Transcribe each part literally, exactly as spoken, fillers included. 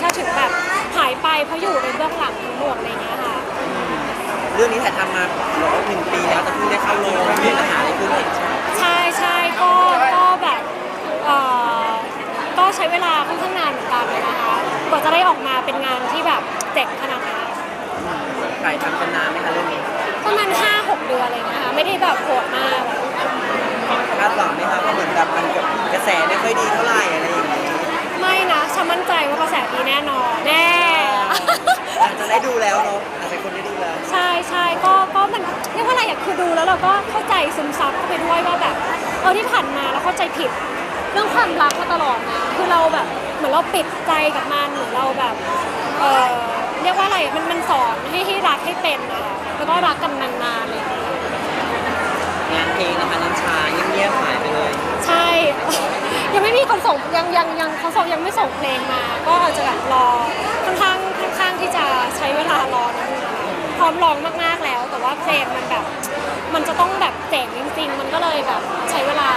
ถ้าถึงแบบหายไปเพราะอยู่ในเบื้องหลังทั้งหมดอะไรเงี้ยค่ะเรื่องนี้ถ่ายทำมาบอกว่าหนึ่งปีแล้วแต่เพิ่งได้เข้าโรงมีปัญหาอะไรขึ้นเองใช่ไหมใช่ใช่ก็ก็แบบเอ่อก็ใช้เวลาค่อนข้างนานเหมือนกันนะคะกว่าจะได้ออกมาเป็นงานที่แบบเจ๋งขนาดนี้ถ่ายทำกันนานไหมคะเรื่องนี้ประมาณห้าหกเดือนอะไรเงี้ยค่ะไม่ได้แบบโหดมากคาดหวังไหมคะเพราะเหมือนแบบมันกระแสไม่ค่อยดีเท่าไหร่อะไรอย่างนี้ไม่นะฉันมั่นใจว่ากระแสดีแน่นอนแน่อาจจะได้ดูแล้วเนาะอาจจะคนได้ดูแล้วใช่ใช่ก็ก็มันเรียกว่าอะไรอยากคือดูแล้วเราก็เข้าใจซึมซับเข้าไปด้วยว่าแบบเออที่ผ่านมาเราเข้าใจผิดเรื่องความรักมาตลอดนะคือเราแบบเหมือนเราปิดใจกับมันเหมือนเราแบบเออเรียกว่าอะไรมันมันสอนให้ให้รักให้เป็นนะคะแล้วก็รักกันนานๆเลยงานเพลงนะคะน้ำชาเงียบๆหายไปเลยใช่ ยังไม่มีคนส่งยังยังยังเขาส่งยังไม่ส่งเพลงมาก็อาจจะแบบรอค่อนข้างค่อนข้างที่จะใช้เวลารอนะพร้อมร้องมากๆแล้วแต่ว่าเพลงมันแบบมันจะต้องแบบเจ๋งจริงๆมันก็เลยแบบใช้เวลา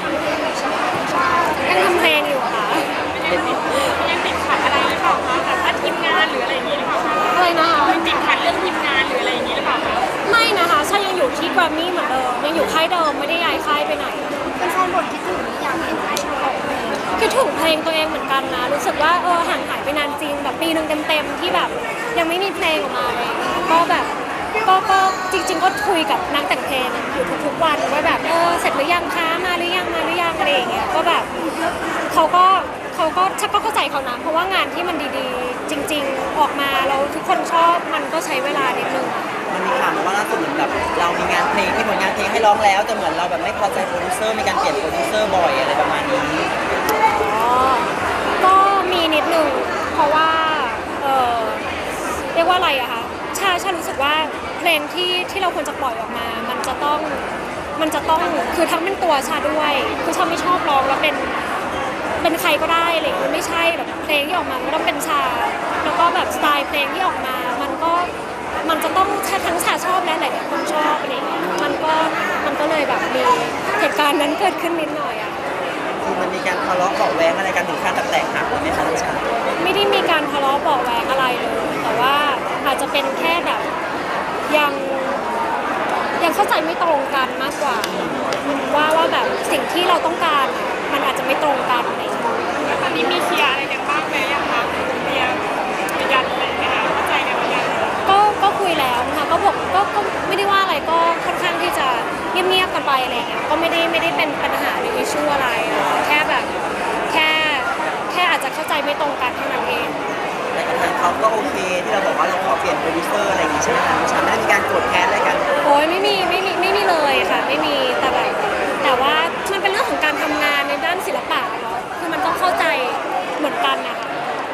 ยังทำเพลงอยู่ค่ะยังติดขัดอะไรหรือเปล่าคะแบบว่าทีมงานหรืออะไรอย่างนี้หรือเปล่าคะอะไรนะคะยังติดขัดเรื่องทีมงานหรืออะไรอย่างนี้หรือเปล่าคะไม่นะคะฉันยังอยู่ที่แกรมมี่เหมือนเดิมยังอยู่ค่ายเดิมไม่ได้ย้ายค่ายไปไหนเป็นแฟนบทคิดถึงอยากเห็นไอ้ชอบคิดถึงเพลงตัวเองเหมือนกันนะรู้สึกว่าเออห่างหายไปนานจริงแบบปีหนึ่งเต็มๆที่แบบยังไม่มีเพลงออกมาเลยก็แบบก็ก็จริงๆก็คุยกับนักแต่งเพลงอยู่ทุกๆวันว่าแบบเออเสร็จหรือยังคะมาหรือยังมาหรือยังอะไรอย่างเงี้ยก็แบบเขาก็เขาก็ชักก็เข้าใจเขานะเพราะว่างานที่มันดีๆจริงๆออกมาแล้วทุกคนชอบมันก็ใช้เวลานิดนึงมันมีข่าวมาว่าล่าสุดเหมือนแบบเรามีงานเพลงที่ผลงานเพลงให้ร้องแล้วแต่เหมือนเราแบบไม่พอใจโปรดิวเซอร์มีการเปลี่ยนโปรดิวเซอร์บ่อยอะไรประมาณนี้อ๋อก็มีนิดนึงเพราะว่าเออเรียกว่าอะไรอะคะชาชารู้สึกว่าเพลงที่ที่เราควรจะปล่อยออกมา มันจะต้องมันจะต้องคือทั้งเป็นตัวชาด้วยคือชาไม่ชอบร้องแล้วเป็นเป็นใครก็ได้อะไรอย่างเงี้ยไม่ใช่แบบเพลงที่ออกมามันต้องเป็นชาแล้วก็แบบสไตล์เพลงที่ออกมามันก็มันจะต้องทั้งชาชอบและหลายๆคนชอบอะไรอย่างเงี้ยมันก็มันก็เลยแบบมีเหตุการณ์นั้นเกิดขึ้นนิดหน่อยอะคือมันมีการทะเลาะเบาะแว้งอะไรกันถึงขั้นแตกหักไหมคะน้ำชาไม่ได้มีการทะเลาะเบาะแว้งอะไรเลยแต่ว่าอาจจะเป็นแค่แบบยังยังเข้าใจไม่ตรงกันมากกว่าว่าว่าแบบสิ่งที่เราต้องการมันอาจจะไม่ตรงกันอะไรอย่างเงี้ยตอนนี้มีเคลียร์อะไรกันบ้างไหมยังคะเคลียร์คุยกันอะไรไหมคะเข้าใจกันไหมก็ก็คุยแล้วนะคะก็บอกก็ก็ไม่ได้ว่าอะไรก็ค่อนข้างที่จะเงียบๆกันไปอะไรอย่างเงี้ยก็ไม่ได้ไม่ได้เป็นปัญหาหรืออิชชูอะไรแค่แบบแค่แค่อาจจะเข้าใจไม่ตรงกันเท่านั้นเองแต่กับทางเขาก็โอเคที่เราบอกว่าเราขอเปลี่ยนโปรดิวเซอร์อะไรอย่างงี้ใช่ไหมคะน้ำชาไม่ได้มีการโกรธแค้นอะไรกันโอ้ยไม่มีไม่มีไม่มีเลยค่ะไม่มีแต่แบบแต่ว่ามันเป็นเรื่องของการทำงานในด้านศิลปะเนาะคือมันต้องเข้าใจเหมือนกันนะคะ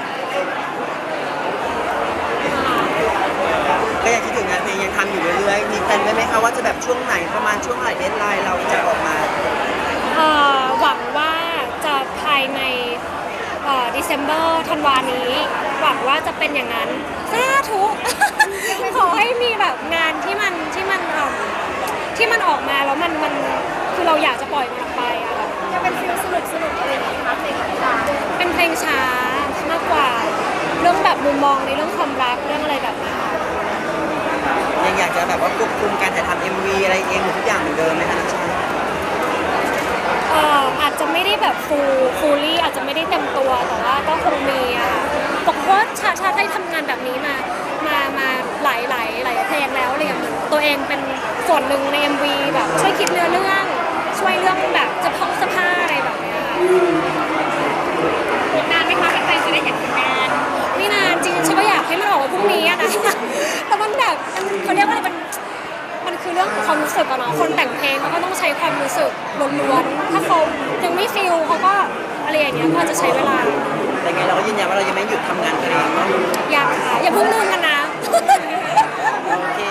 ก็ยังคิดถึงงานเพลงยังทำอยู่เรื่อยๆมีแพลนไว้ไหมคะว่าจะแบบช่วงไหนประมาณช่วงไหนเดดไลน์เราจะออกมาเอ่อหวังว่าจะภายในเอ่อ December ธันวานี้หวังว่าจะเป็นอย่างนั้นสาธุ ขอให้มีแบบงานที่มันที่มันเอ่อที่มันออกมาแล้วมันมันคือเราอยากจะปล่อยมันออกไปอะค่ะจะเป็นฟิลสนุกสนุกอะไรอย่างนี้คะเพลงของชาเป็นเพลงช้ามากกว่าเรื่องแบบมุมมองในเรื่องความรักเรื่องอะไรแบบนี้ยังอยากจะแบบว่าควบคุมการถ่ายทำ เอ็ม วี อะไรเองหมดทุกอย่างเหมือนเดิมไหมคะน้ำชาเอ่ออาจจะไม่ได้แบบฟูลฟูลลี่อาจจะไม่ได้เต็มตัวแต่ว่าก็คงมีอะบอกว่าชาชาได้ทำงานแบบนี้มามามาหลายหลายหลายเพลงแล้วอะไรอย่างเงี้ยตัวเองเป็นส่วนหนึ่งใน เอ็ม วี แบบช่วยคิดเนื้อเรื่องช่วยเรื่องแบบจะพกเสื้อผ้าอะไรแบบนี้ค่ะนานไหมคะเป็นแฟนจะได้เห็นผลงานไม่นานจริงฉันก็อยากให้มันออกมาพรุ่งนี้อะนะแต่มันแบบเขาเรียกว่าอะไรมันมันคือเรื่องของความรู้สึกอะเนาะคนแต่งเพลงเขาก็ต้องใช้ความรู้สึกล้วนๆถ้าเขายังไม่ฟิลเขาก็อะไรอย่างเงี้ยก็จะใช้เวลาแต่ไงเราก็ยืนยันว่าเรายังไม่หยุดทำงานเพลงเนาะอยากค่ะอย่าเพิ่งลืมกันนะโอเค